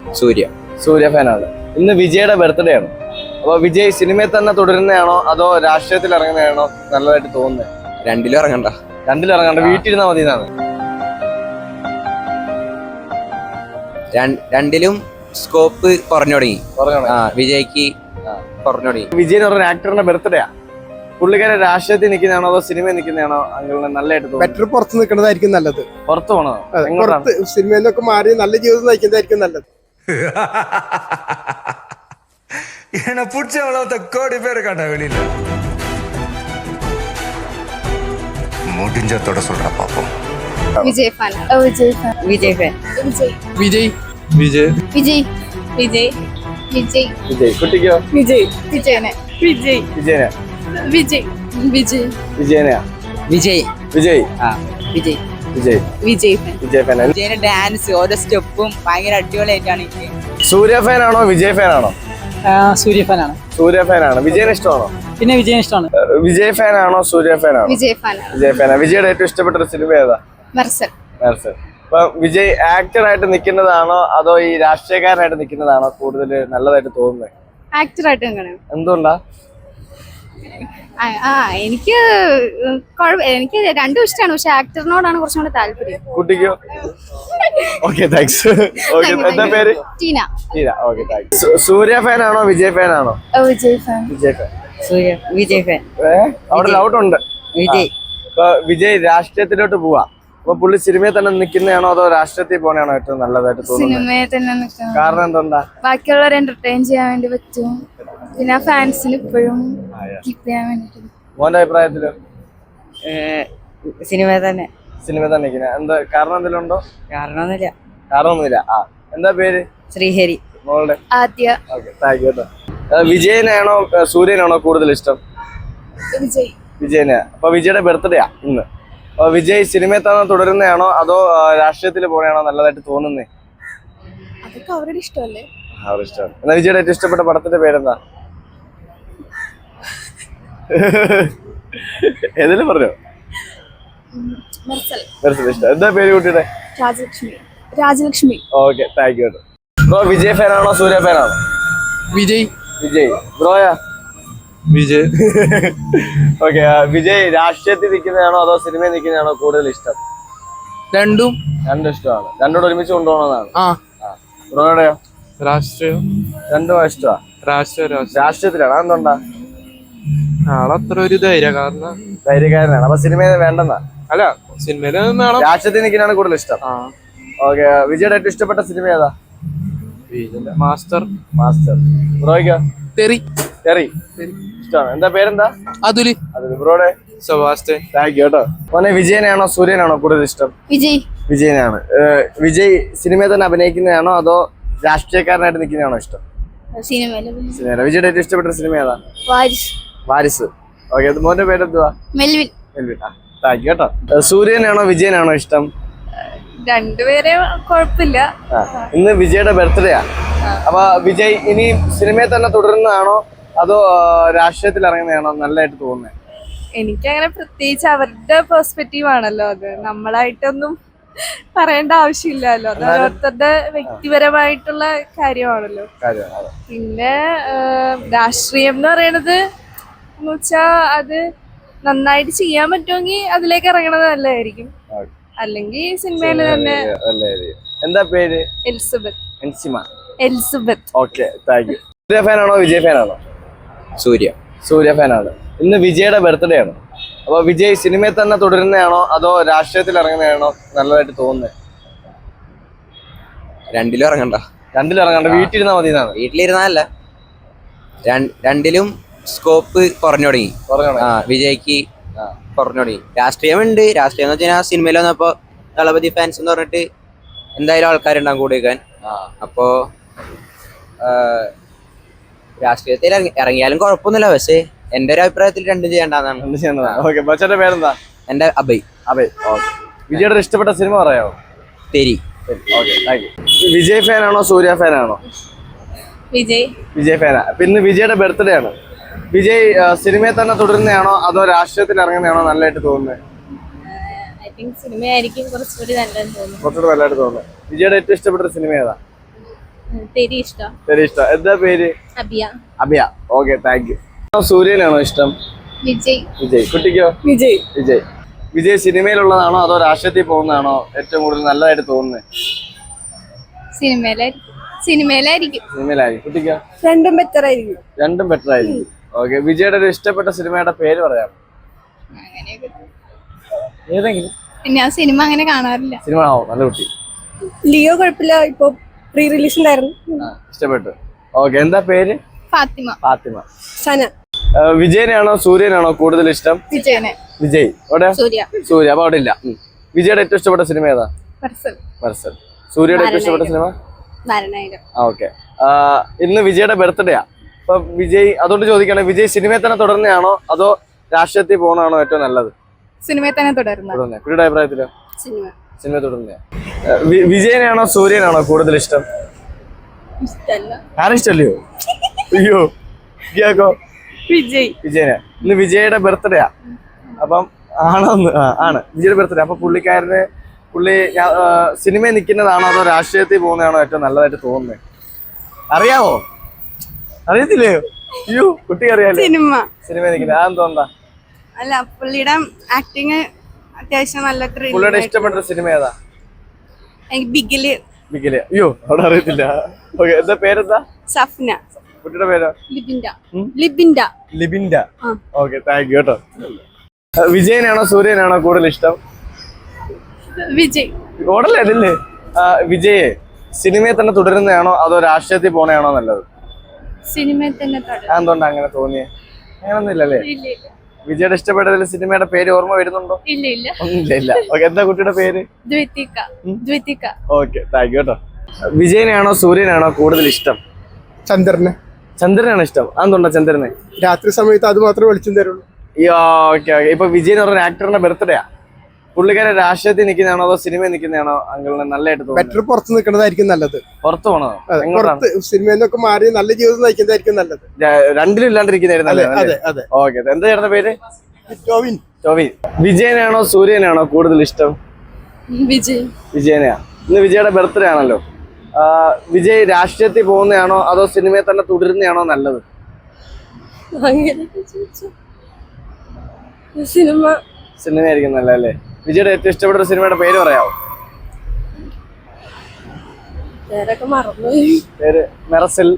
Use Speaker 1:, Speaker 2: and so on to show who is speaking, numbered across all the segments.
Speaker 1: സൂര്യ.
Speaker 2: സൂര്യ ഫാനാണ്. ഇന്ന് വിജയുടെ ബർത്ത്ഡേ ആണ്. അപ്പൊ വിജയ് സിനിമയിൽ തന്നെ തുടരുന്നതാണോ അതോ രാഷ്ട്രീയത്തിൽ ഇറങ്ങുന്നതാണോ നല്ലതായിട്ട് തോന്നുന്നത്?
Speaker 1: രണ്ടിലും ഇറങ്ങണ്ട.
Speaker 2: രണ്ടിലും ഇറങ്ങണ്ട, വീട്ടിലിരുന്നാ മതി എന്നാണ്.
Speaker 1: രണ്ടിലും സ്കോപ്പ് കുറഞ്ഞു തുടങ്ങി. വിജയ്ക്ക് കുറഞ്ഞു തുടങ്ങി.
Speaker 2: വിജയ് എന്ന് പറഞ്ഞ ആക്ടറിന്റെ ബർത്ത്ഡേ ആ. പുള്ളിക്കാരെ രാഷ്ട്രീയത്തിൽ നിൽക്കുന്നതാണോ അതോ സിനിമയിൽ നിൽക്കുന്നതാണോ അങ്ങനെ നല്ലതായിട്ട് തോന്നുന്നു?
Speaker 3: ബെറ്റർ പുറത്ത് നിൽക്കുന്നതായിരിക്കും നല്ലത്.
Speaker 2: പുറത്ത് പോണോ?
Speaker 3: സിനിമയിൽ നിന്നൊക്കെ മാറി നല്ല ജീവിതം നയിക്കുന്നതായിരിക്കും നല്ലത്.
Speaker 4: என்ன பிடிச்சவளவுத்த கோடி பேர் காட்ட வெளியில முடிஞ்சத்தோட சொல்ற பாப்போம்.
Speaker 5: Vijay fan. Vijay fan. Vijay fan. Vijay.
Speaker 3: Vijay Vijay
Speaker 5: Vijay. Vijay. Vijay.
Speaker 2: Vijay. കുട്ടിക്കോ?
Speaker 5: விஜய். விஜயനെ. விஜய்.
Speaker 2: വിജയനെ.
Speaker 5: விஜய். விஜய்.
Speaker 2: വിജയനെയാ?
Speaker 1: വിജയ്.
Speaker 2: വിജയ്.
Speaker 1: വിജയ്.
Speaker 2: വിജയ്.
Speaker 5: വിജയ് ഫാൻ.
Speaker 2: വിജയ് ഫാൻ.
Speaker 1: വിജയന്റെ ഡാൻസ് ഓരോ സ്റ്റെപ്പും ഭയങ്കര അടിപൊളിയായിട്ടാണ് എനിക്ക്.
Speaker 2: സൂര്യ ഫാനാണോ വിജയ് ഫാനാണോ?
Speaker 6: സൂര്യ ഫാനാണ്.
Speaker 2: സൂര്യ ഫാനാണ്. വിജയനെ ഇഷ്ടമാണോ?
Speaker 6: പിന്നെ വിജയൻ ഇഷ്ടമാണ്.
Speaker 2: വിജയ് ഫാനാണോ സൂര്യ ഫാനാണോ?
Speaker 5: വിജയ് ഫാൻ.
Speaker 2: വിജയ് ഫാനാ. വിജയുടെ ഏറ്റവും ഇഷ്ടപ്പെട്ട ഒരു സിനിമ ഏതാ?
Speaker 5: മെർസൽ.
Speaker 2: മെർസൽ. അപ്പൊ വിജയ് ആക്ടറായിട്ട് നിൽക്കുന്നതാണോ അതോ ഈ രാഷ്ട്രീയക്കാരനായിട്ട് നിൽക്കുന്നതാണോ കൂടുതൽ നല്ലതായിട്ട് തോന്നുന്നത്?
Speaker 5: ആക്ടറായിട്ട് കാണാം.
Speaker 2: എന്തുകൊണ്ടാ?
Speaker 5: എനിക്ക് രണ്ടും ഇഷ്ടമാണ്, പക്ഷെ ആക്ടറിനോടാണ് കുറച്ചും കൂടെ താല്പര്യം.
Speaker 2: കുട്ടിക്കോ? Okay, thanks. ഓക്കെ, എന്താ പേര്?
Speaker 5: Tina.
Speaker 2: Tina. Okay, thanks. Suriya ഫാനാണോ വിജയ് ഫാനാണോ?
Speaker 5: Vijay fan.
Speaker 2: Vijay fan.
Speaker 1: Suriya. Vijay fan.
Speaker 2: അവിടെ ലൗട്ടുണ്ട്.
Speaker 1: വിജയ്.
Speaker 2: ഇപ്പൊ വിജയ് രാഷ്ട്രീയത്തിലോട്ട് പോവാ. അപ്പൊ പുള്ളി സിനിമയിൽ തന്നെ നിൽക്കുന്നതാണോ അതോ രാഷ്ട്രീയത്തിൽ പോകണയാണോ ഏറ്റവും നല്ലതായിട്ട് തോന്നുന്നത്?
Speaker 5: സിനിമയിൽ തന്നെ നിൽക്കണം.
Speaker 2: കാരണം എന്തുകൊണ്ടാ?
Speaker 5: ബാക്കിയുള്ളവരെ എന്റർടൈൻ ചെയ്യാൻ വേണ്ടി പറ്റും, പിന്നെ ഫാൻസിന് ഇപ്പോഴും കീപ്പ് ചെയ്യാൻ വേണ്ടിട്ട്.
Speaker 2: മോന്റെ അഭിപ്രായത്തില്
Speaker 1: സിനിമ തന്നെ.
Speaker 2: സിനിമ തന്നെ നിൽക്കുന്നത് എന്താ കാരണം? എന്തെങ്കിലും ഉണ്ടോ?
Speaker 1: കാരണമൊന്നുമില്ല.
Speaker 2: കാരണമൊന്നുമില്ല. എന്താ പേര്?
Speaker 1: ശ്രീഹരി.
Speaker 2: മോളുടെ?
Speaker 5: ആദ്യ.
Speaker 2: ഓക്കെ, താങ്ക് യു കേട്ടോ. വിജയനാണോ സൂര്യനാണോ കൂടുതൽ ഇഷ്ടം?
Speaker 5: വിജയ്.
Speaker 2: വിജയനെയാ. അപ്പൊ വിജയുടെ ബർത്ത്ഡേ ആ ഇന്ന്. അപ്പൊ വിജയ് സിനിമയിൽ തന്നെ തുടരുന്നതാണോ അതോ രാഷ്ട്രീയത്തിൽ പോകണയാണോ നല്ലതായിട്ട് തോന്നുന്നേ?
Speaker 5: അതൊക്കെ അവരുടെ ഇഷ്ടമല്ലേ.
Speaker 2: അവരുടെ ഇഷ്ടമാണ്. എന്നാ വിജയുടെ ഏറ്റവും ഇഷ്ടപ്പെട്ട പടത്തിന്റെ പേരെന്താ? ഏതെങ്കിലും പറഞ്ഞോ?
Speaker 5: മെർസൽ.
Speaker 2: മെർസൽ ഇഷ്ടം. എന്താ പേര് കുട്ടിയുടെ?
Speaker 5: Rajalakshmi. Rajalakshmi.
Speaker 2: Okay, thank you കേട്ടോ. ബ്രോ വിജയ് ഫാനാണോ സൂര്യ ഫാനാണോ?
Speaker 3: വിജയ്.
Speaker 2: വിജയ്. ബ്രോയാ?
Speaker 3: വിജയ്.
Speaker 2: ഓക്കെ, വിജയ് രാഷ്ട്രീയത്തിൽ നിൽക്കുന്നതാണോ അതോ സിനിമയിൽ നിൽക്കുന്നതാണോ കൂടുതൽ ഇഷ്ടം?
Speaker 3: രണ്ടും
Speaker 2: ഇഷ്ടമാണ്. രണ്ടോട് ഒരുമിച്ച് കൊണ്ടുപോകണമെന്നാണ്.
Speaker 3: ആ.
Speaker 2: ബ്രോയുടെയോ?
Speaker 3: രാഷ്ട്രീയം.
Speaker 2: രണ്ടും ഇഷ്ടമാണ്. രാഷ്ട്രീയത്തിലാണ്. അതെന്തുകൊണ്ടാ?
Speaker 3: ആളത്ര ഒരു
Speaker 2: ധൈര്യക്കാരനാണ്. അപ്പൊ സിനിമയിൽ വേണ്ടെന്നാ?
Speaker 3: അല്ല, സിനിമയില്
Speaker 2: രാഷ്ട്രീയത്തിൽ നിൽക്കുന്നതാണ് കൂടുതൽ ഇഷ്ടം. ഓക്കെ, വിജയുടെ ഏറ്റവും ഇഷ്ടപ്പെട്ട സിനിമ ഏതാ?
Speaker 3: മാസ്റ്റർ.
Speaker 2: മാസ്റ്റർ. ബ്രോയ്ക്കോ?
Speaker 3: തെറി.
Speaker 2: തെറി ഇഷ്ടമാണ്. എന്താ പേരെന്താ?
Speaker 3: അതുല്.
Speaker 2: ബ്രോയുടെ?
Speaker 3: സെബാസ്റ്റ്യൻ.
Speaker 2: താങ്ക് യു കേട്ടോ. മോനെ വിജയനാണോ സൂര്യനാണോ കൂടുതൽ ഇഷ്ടം?
Speaker 5: വിജയ്.
Speaker 2: വിജയനാണ്. വിജയ് സിനിമയിൽ തന്നെ അഭിനയിക്കുന്നതാണോ അതോ രാഷ്ട്രീയക്കാരനായിട്ട് നിൽക്കുന്നതാണോ ഇഷ്ടം?
Speaker 5: സിനിമയില്.
Speaker 2: വിജയുടെ ഏറ്റവും ഇഷ്ടപ്പെട്ട സിനിമ ഏതാ?
Speaker 5: വാരിസ്.
Speaker 2: വാരിസ്. ഓക്കെ, മോന്റെ പേരെന്തുവാ?
Speaker 5: മെൽവിൻ.
Speaker 2: മെൽവിൻ. താങ്ക് യു കേട്ടോ. സൂര്യനാണോ വിജയനാണോ ഇഷ്ടം?
Speaker 5: രണ്ടുപേരെ കുഴപ്പമില്ല.
Speaker 2: ഇന്ന് വിജയുടെ ബർത്ത്ഡേ ആ. അപ്പൊ വിജയ് ഇനി സിനിമയിൽ തന്നെ തുടരുന്നതാണോ അതോ രാഷ്ട്രീയത്തിൽ ഇറങ്ങുന്നതാണോ നല്ലതായിട്ട് തോന്നുന്നത്?
Speaker 5: എനിക്കങ്ങനെ പ്രത്യേകിച്ച് അവരുടെ പെർസ്പെക്റ്റീവ് ആണല്ലോ, അത് നമ്മളായിട്ടൊന്നും പറയേണ്ട ആവശ്യമില്ലല്ലോ. അത് ഓരോരുത്തരുടെ വ്യക്തിപരമായിട്ടുള്ള കാര്യമാണല്ലോ. പിന്നെ രാഷ്ട്രീയം എന്ന് പറയണത് എന്ന് വെച്ചാ അത് നന്നായിട്ട് ചെയ്യാൻ പറ്റുമെങ്കിൽ അതിലേക്ക് ഇറങ്ങണത് നല്ലതായിരിക്കും, അല്ലെങ്കിൽ സിനിമയിൽ തന്നെ.
Speaker 2: എന്താ പേര്?
Speaker 5: Elizabeth. Elizabeth.
Speaker 2: Okay, thank you. Suriya ഫാനാണോ വിജയ് ഫാനാണോ?
Speaker 1: സൂര്യ.
Speaker 2: സൂര്യ ഫാനാണ്. ഇന്ന് വിജയുടെ ബർത്ത്ഡേ ആണ്. അപ്പൊ വിജയ് സിനിമയിൽ തന്നെ തുടരുന്നതാണോ അതോ രാഷ്ട്രീയത്തിൽ ഇറങ്ങുന്നതാണോ നല്ലതായിട്ട് തോന്നുന്നത്?
Speaker 1: രണ്ടിലും ഇറങ്ങണ്ട.
Speaker 2: രണ്ടിലും ഇറങ്ങണ്ട, വീട്ടിലിരുന്നാ മതി എന്നാണ്.
Speaker 1: വീട്ടിലിരുന്നല്ല, രണ്ടിലും സ്കോപ്പ് കുറഞ്ഞു തുടങ്ങി. വിജയ്ക്ക് കുറഞ്ഞു തുടങ്ങി. രാഷ്ട്രീയമുണ്ട്. രാഷ്ട്രീയം എന്ന് വെച്ചാൽ സിനിമയിൽ വന്നപ്പോ ദളപതി ഫാൻസ് എന്ന് പറഞ്ഞിട്ട് എന്തായാലും ആൾക്കാരുണ്ടാകും കൂടെ വെക്കാൻ. അപ്പോ രാഷ്ട്രീയത്തിൽ ഇറങ്ങിയാലും കുഴപ്പമൊന്നുമില്ല, പക്ഷേ എന്റെ ഒരു അഭിപ്രായത്തിൽ രണ്ടും ചെയ്യേണ്ടതാണ്.
Speaker 2: പേരെന്താ?
Speaker 1: എന്റെ അഭയ്.
Speaker 2: അഭയ്. വിജയുടെ ഇഷ്ടപ്പെട്ട സിനിമ പറയാമോ?
Speaker 1: തെരി.
Speaker 2: വിജയ് ഫാനാണോ സൂര്യ ഫാനാണോ?
Speaker 5: വിജയ്.
Speaker 2: വിജയ് ഫാനാ. പിന്നെ വിജയുടെ ബർത്ത്ഡേ ആണ്. വിജയ് സിനിമയിൽ തന്നെ തുടരുന്നതാണോ അതോ രാഷ്ട്രീയത്തിൽ ഇറങ്ങുന്നതാണോ നല്ലതായിട്ട് തോന്നുന്നത്?
Speaker 5: സിനിമയായിരിക്കും കുറച്ചുകൂടി നല്ലതെന്ന് തോന്നുന്നു.
Speaker 2: കുറച്ചുകൂടി നല്ലതായിട്ട് തോന്നുന്നത്. വിജയുടെ ഏറ്റവും ഇഷ്ടപ്പെട്ട സിനിമ ഏതാ?
Speaker 5: തെരി ഇഷ്ടം.
Speaker 2: ശരി, ഇഷ്ടം. എന്താ പേര്?
Speaker 5: Abiya.
Speaker 2: Abhiya. Okay, thank you. സൂര്യനാണോ ഇഷ്ടം?
Speaker 5: വിജയ്.
Speaker 2: വിജയ്. കുട്ടിക്കോ?
Speaker 5: വിജയ്.
Speaker 2: വിജയ്. വിജയ് സിനിമയിലുള്ളതാണോ അതോ രാഷ്ട്രീയത്തിൽ പോകുന്നതാണോ ഏറ്റവും കൂടുതൽ നല്ലതായിട്ട് തോന്നുന്നത്?
Speaker 5: സിനിമയിലായിരിക്കും.
Speaker 2: സിനിമയിലായിരിക്കും. കുട്ടിക്കോ?
Speaker 5: രണ്ടും ബെറ്റർ ആയിരിക്കും.
Speaker 2: രണ്ടും ബെറ്റർ ആയിരിക്കും. ഓക്കെ, വിജയുടെ ഒരു ഇഷ്ടപ്പെട്ട സിനിമയുടെ പേര് പറയാം.
Speaker 6: ഏതെങ്കിലും
Speaker 5: ഞാൻ സിനിമ അങ്ങനെ കാണാറില്ല.
Speaker 2: സിനിമ ആണോ? നല്ല കുട്ടി.
Speaker 5: ലിയോ കുഴപ്പമില്ല, ഇപ്പൊ പ്രീ റിലീസ് ഉണ്ടായിരുന്നു.
Speaker 2: ഇഷ്ടപ്പെട്ടു. ഓക്കെ, എന്താ പേര്?
Speaker 5: ഫാത്തിമ.
Speaker 2: ഫാത്തിമ.
Speaker 5: സന.
Speaker 2: വിജയനാണോ സൂര്യനാണോ കൂടുതൽ ഇഷ്ടം?
Speaker 5: വിജയനെ.
Speaker 2: വിജയ്. അവിടെ
Speaker 5: സൂര്യ.
Speaker 2: സൂര്യ. അപ്പൊ അവിടെ ഇല്ല. വിജയുടെ ഏറ്റവും ഇഷ്ടപ്പെട്ട സിനിമ ഏതാ? മർസൽ. സൂര്യയുടെ ഏറ്റവും ഇഷ്ടപ്പെട്ട സിനിമ? ഓക്കെ. ഇന്ന് വിജയുടെ ബർത്ത്ഡേയാ. അപ്പൊ വിജയ്, അതുകൊണ്ട് ചോദിക്കണേ, വിജയ് സിനിമയെ തന്നെ തുടരുന്നതാണോ അതോ രാഷ്ട്രീയത്തിൽ പോകുന്നതാണോ ഏറ്റവും നല്ലത്?
Speaker 5: സിനിമയെ തന്നെ തുടരുന്നത്.
Speaker 2: കുട്ടിയുടെ അഭിപ്രായത്തിലോ? സിനിമ തുടരുന്ന. വിജയനാണോ സൂര്യനാണോ കൂടുതൽ ഇഷ്ടം? ആരും ഇഷ്ടല്ലയോ? അയ്യോ, ഇയാൾക്കോ? വിജയനെ. ഇന്ന് വിജയുടെ ബർത്ത്ഡേയാ. അപ്പം ആണോന്ന്? ആണ് വിജയുടെ ബർത്ത്ഡേ. അപ്പൊ പുള്ളി സിനിമയിൽ നിൽക്കുന്നതാണോ അതോ രാഷ്ട്രീയത്തിൽ പോകുന്നതാണോ ഏറ്റവും നല്ലതായിട്ട് തോന്നുന്നത്? അറിയാമോ? അറിയത്തില്ലയോ? അയ്യോ, കുട്ടി അറിയാലോ സിനിമയിൽ നിൽക്കുന്നത്. അതെന്തോണ്ടാ?
Speaker 5: അല്ല, പുള്ളിയുടെ ആക്ടിങ് അത്യാവശ്യം നല്ല.
Speaker 2: പുള്ളിയുടെ ഇഷ്ടപ്പെട്ട സിനിമ ഏതാ?
Speaker 5: ബിഗില്.
Speaker 2: അയ്യോ, അവിടെ അറിയത്തില്ല. ഓക്കെ, എന്താ പേരെന്താ?
Speaker 5: സഫ്ന.
Speaker 2: കുട്ടിയുടെ പേരോ? ലിബിൻഡ. ഓക്കെ, താങ്ക് യു കേട്ടോ. വിജയനാണോ സൂര്യനാണോ കൂടുതൽ ഇഷ്ടം?
Speaker 5: വിജയ്.
Speaker 2: ഓടല്ലേ അതില്ലേ? വിജയ് സിനിമയെ തന്നെ തുടരുന്നതാണോ അതോ രാഷ്ട്രീയത്തിൽ പോണതാണോ നല്ലത്?
Speaker 5: സിനിമയെ തന്നെ.
Speaker 2: എന്തുകൊണ്ടാ അങ്ങനെ തോന്നിയേ? അങ്ങനൊന്നും ഇല്ലല്ലേ? വിജയുടെ ഇഷ്ടപ്പെട്ടതിൽ സിനിമയുടെ പേര് ഓർമ്മ വരുന്നുണ്ടോ? ഇല്ല. ഓക്കെ, എന്താ കുട്ടിയുടെ പേര്?
Speaker 5: ദ്വിതിക.
Speaker 2: ഓക്കെ, താങ്ക് യു കേട്ടോ. വിജയനാണോ സൂര്യനാണോ കൂടുതൽ ഇഷ്ടം? ചന്ദ്രനാണ് ഇഷ്ടം. അതെന്തുകൊണ്ടാ ചന്ദ്രനെ?
Speaker 3: രാത്രി സമയത്ത് അത് മാത്രമേ വെളിച്ചം തരുള്ളൂ.
Speaker 2: ഓക്കെ. ഇപ്പൊ വിജയ് എന്ന് പറഞ്ഞ ആക്ടറിന്റെ ബർത്ത്ഡേയാ. പുള്ളിക്കാരെ രാഷ്ട്രീയത്തിൽ നിൽക്കുന്നതാണോ അതോ സിനിമയിൽ നിൽക്കുന്നതാണോ അങ്കിളിന് നല്ലതായിട്ട് തോന്നുന്നത്?
Speaker 3: ബെറ്റർ പുറത്ത് നിൽക്കുന്നതായിരിക്കും നല്ലത്.
Speaker 2: പുറത്ത് പോണോ?
Speaker 3: സിനിമയിൽ നിന്നൊക്കെ മാറി നല്ല ജീവിതം നയിക്കുന്നതായിരിക്കും നല്ലത്.
Speaker 2: രണ്ടിലും ഇല്ലാണ്ടിരിക്കുന്നതായിരുന്നു. ഓക്കെ, എന്താ ചേട്ടന്റെ പേര്?
Speaker 3: ടോവിൻ.
Speaker 2: വിജയനാണോ സൂര്യനാണോ കൂടുതൽ ഇഷ്ടം? വിജയനെയാ. ഇന്ന് വിജയുടെ ബർത്ത്ഡേ ആണല്ലോ. വിജയ് രാഷ്ട്രീയത്തിൽ പോകുന്നതാണോ അതോ സിനിമയെ തന്നെ തുടരുന്നതാണോ നല്ലത്? സിനിമയായിരിക്കും നല്ലതല്ലേ? വിജയുടെ ഏറ്റവും ഇഷ്ടപ്പെട്ട സിനിമയുടെ പേര് പറയാമോ? പേര് മെറസൽ.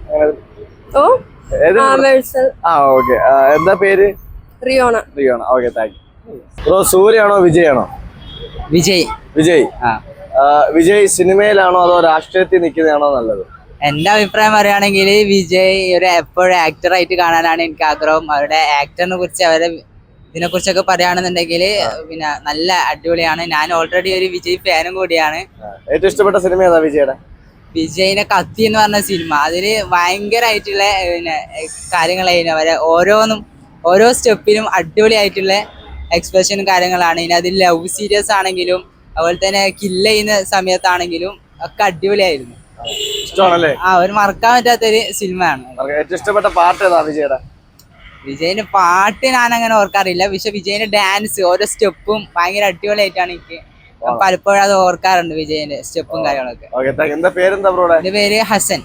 Speaker 2: ഓക്കെ, എന്താ പേര്? റിയോണ. Okay, thank you bro. സൂര്യയാണോ വിജയാണോ? വിജയ്. വിജയ് സിനിമയിലാണോ അതോ രാഷ്ട്രീയത്തിൽ നിൽക്കുന്നതാണോ നല്ലത്?
Speaker 7: എന്റെ അഭിപ്രായം പറയുകയാണെങ്കിൽ വിജയ് എപ്പോഴും ആക്ടറായിട്ട് കാണാനാണ് എനിക്ക് ആഗ്രഹം. അവരുടെ ആക്ടറിനെ കുറിച്ച് ഇതിനെ കുറിച്ചൊക്കെ പറയുകയാണെന്നുണ്ടെങ്കിൽ പിന്നെ നല്ല അടിപൊളിയാണ്. ഞാൻ ഓൾറെഡി ഒരു വിജയ് ഫാനും കൂടിയാണ്.
Speaker 2: ഏറ്റവും ഇഷ്ടപ്പെട്ട സിനിമ ഏതാ വിജയുടെ?
Speaker 7: വിജയിനെ കത്തി എന്ന് പറഞ്ഞ സിനിമ. അതില് ഭയങ്കരമായിട്ടുള്ള പിന്നെ കാര്യങ്ങളായിരുന്നു. അവരെ ഓരോ സ്റ്റെപ്പിലും അടിപൊളിയായിട്ടുള്ള എക്സ്പ്രഷനും കാര്യങ്ങളാണ്. ഇനി അതിൽ ലവ് സീരിയസ് ആണെങ്കിലും അതുപോലെ തന്നെ കില്ല് ചെയ്യുന്ന സമയത്താണെങ്കിലും ഒക്കെ അടിപൊളിയായിരുന്നു.
Speaker 2: ഇഷ്ടമാണല്ലേ?
Speaker 7: ഒരു മറക്കാൻ പറ്റാത്തൊരു സിനിമയാണ്.
Speaker 2: ഏറ്റവും ഇഷ്ടപ്പെട്ട പാട്ട് ഏതാ വിജയുടെ?
Speaker 7: വിജയിന്റെ പാട്ട് ഞാൻ അങ്ങനെ ഓർക്കാറില്ല. പക്ഷെ വിജയിന്റെ ഡാൻസ് ഓരോ സ്റ്റെപ്പും ഭയങ്കര അടിപൊളിയായിട്ടാണ് എനിക്ക് പലപ്പോഴും അത് ഓർക്കാറുണ്ട്. വിജയിന്റെ സ്റ്റെപ്പും കാര്യങ്ങളൊക്കെ.
Speaker 2: എന്റെ
Speaker 7: പേര് ഹസൻ.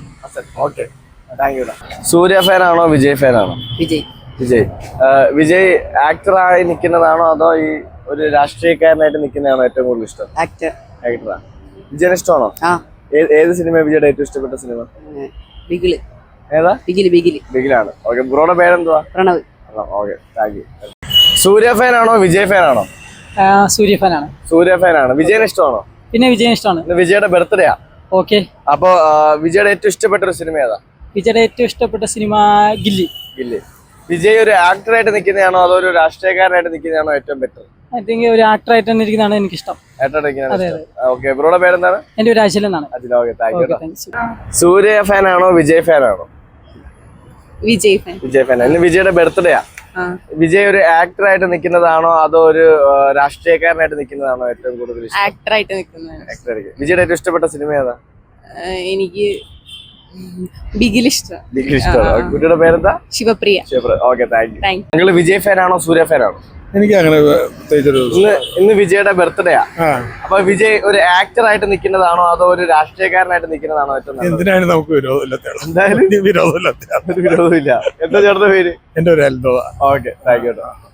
Speaker 2: സൂര്യ ഫാനാണോ വിജയ് ഫാനാണോ? വിജയ് ആക്ടറായി നിൽക്കുന്നതാണോ അതോ ഈ ഒരു രാഷ്ട്രീയക്കാരനായിട്ട് നിൽക്കുന്നതാണോ ഏറ്റവും കൂടുതൽ ഇഷ്ടം? ആക്ടറാ. വിജയന് ഇഷ്ടമാണോ? ഏത് സിനിമ വിജയുടെ ഏറ്റവും ഇഷ്ടപ്പെട്ട സിനിമ? ഏതാ? ബിഗിലാണ്. ഓക്കെ, ബ്രോയുടെ പേരെന്തുവാ? Pranav. Okay, thank you. Suriya ഫാനാണോ വിജയ് ഫാനാണോ? സൂര്യ ഫാനാണ്. വിജയന് ഇഷ്ടമാണോ?
Speaker 6: പിന്നെ വിജയൻ ഇഷ്ടമാണ്.
Speaker 2: വിജയുടെ ബർത്ത്ഡേയാ.
Speaker 6: ഓക്കെ.
Speaker 2: അപ്പൊ വിജയുടെ ഏറ്റവും ഇഷ്ടപ്പെട്ട ഒരു സിനിമ ഏതാ?
Speaker 6: വിജയുടെ ഏറ്റവും ഇഷ്ടപ്പെട്ട സിനിമ ഗില്ലി.
Speaker 2: വിജയ് ഒരു ആക്ടറായിട്ട് നിൽക്കുന്നതാണോ അതോ ഒരു രാഷ്ട്രീയക്കാരനായിട്ട് നിൽക്കുന്നതാണോ ഏറ്റവും ബെറ്റർ?
Speaker 6: ഐ തിങ്ക് ഒരു ആക്ടറായിട്ട് തന്നെ ഇരിക്കുന്നതാണ് എനിക്കിഷ്ടം.
Speaker 2: ഓക്കെ, ബ്രോയുടെ പേരെന്താണ്?
Speaker 6: എന്റെ ഒരു അജിൽ എന്നാണ്.
Speaker 2: സൂര്യ ഫാനാണോ വിജയ് ഫാനാണോ?
Speaker 5: വിജയ്
Speaker 2: ഫാൻ. ഇന്ന് വിജയുടെ ബർത്ത്ഡേയാ. വിജയ് ഒരു ആക്ടറായിട്ട് നിൽക്കുന്നതാണോ അതോ ഒരു രാഷ്ട്രീയക്കാരനായിട്ട് നിൽക്കുന്നതാണോ ഏറ്റവും കൂടുതൽ ഇഷ്ടം?
Speaker 5: ആക്ടറായിട്ട് നിൽക്കുന്നത്.
Speaker 2: വിജയുടെ ഏറ്റവും ഇഷ്ടപ്പെട്ട സിനിമ ഏതാ?
Speaker 5: എനിക്ക് ബിഗിൽ ഇഷ്ടം.
Speaker 2: കുട്ടിയുടെ പേരെന്താ?
Speaker 5: ശിവപ്രിയ.
Speaker 2: Okay, thank you. നിങ്ങൾ വിജയ് ഫാനാണോ സൂര്യ ഫാനാണോ?
Speaker 3: എനിക്ക് അങ്ങനെ പ്രത്യേകിച്ചൊരു
Speaker 2: ഇന്ന് വിജയുടെ ബർത്ത്ഡേയാ.
Speaker 3: ആ
Speaker 2: അപ്പൊ വിജയ് ഒരു ആക്ടർ ആയിട്ട് നിൽക്കുന്നതാണോ അതോ ഒരു രാഷ്ട്രീയക്കാരനായിട്ട് നിൽക്കുന്നതാണോ ഏറ്റവും നല്ലത്?
Speaker 3: എന്തിനാണ് നമുക്ക് വിരോധമില്ലാത്ത
Speaker 2: എന്തായാലും
Speaker 3: വിരോധമില്ലാത്ത
Speaker 2: ഒരു വിരോധമില്ല. എന്താ ചേട്ടന്റെ പേര്?
Speaker 3: എന്റെ ഒരു അത്ഭുതം.
Speaker 2: Okay, thank U.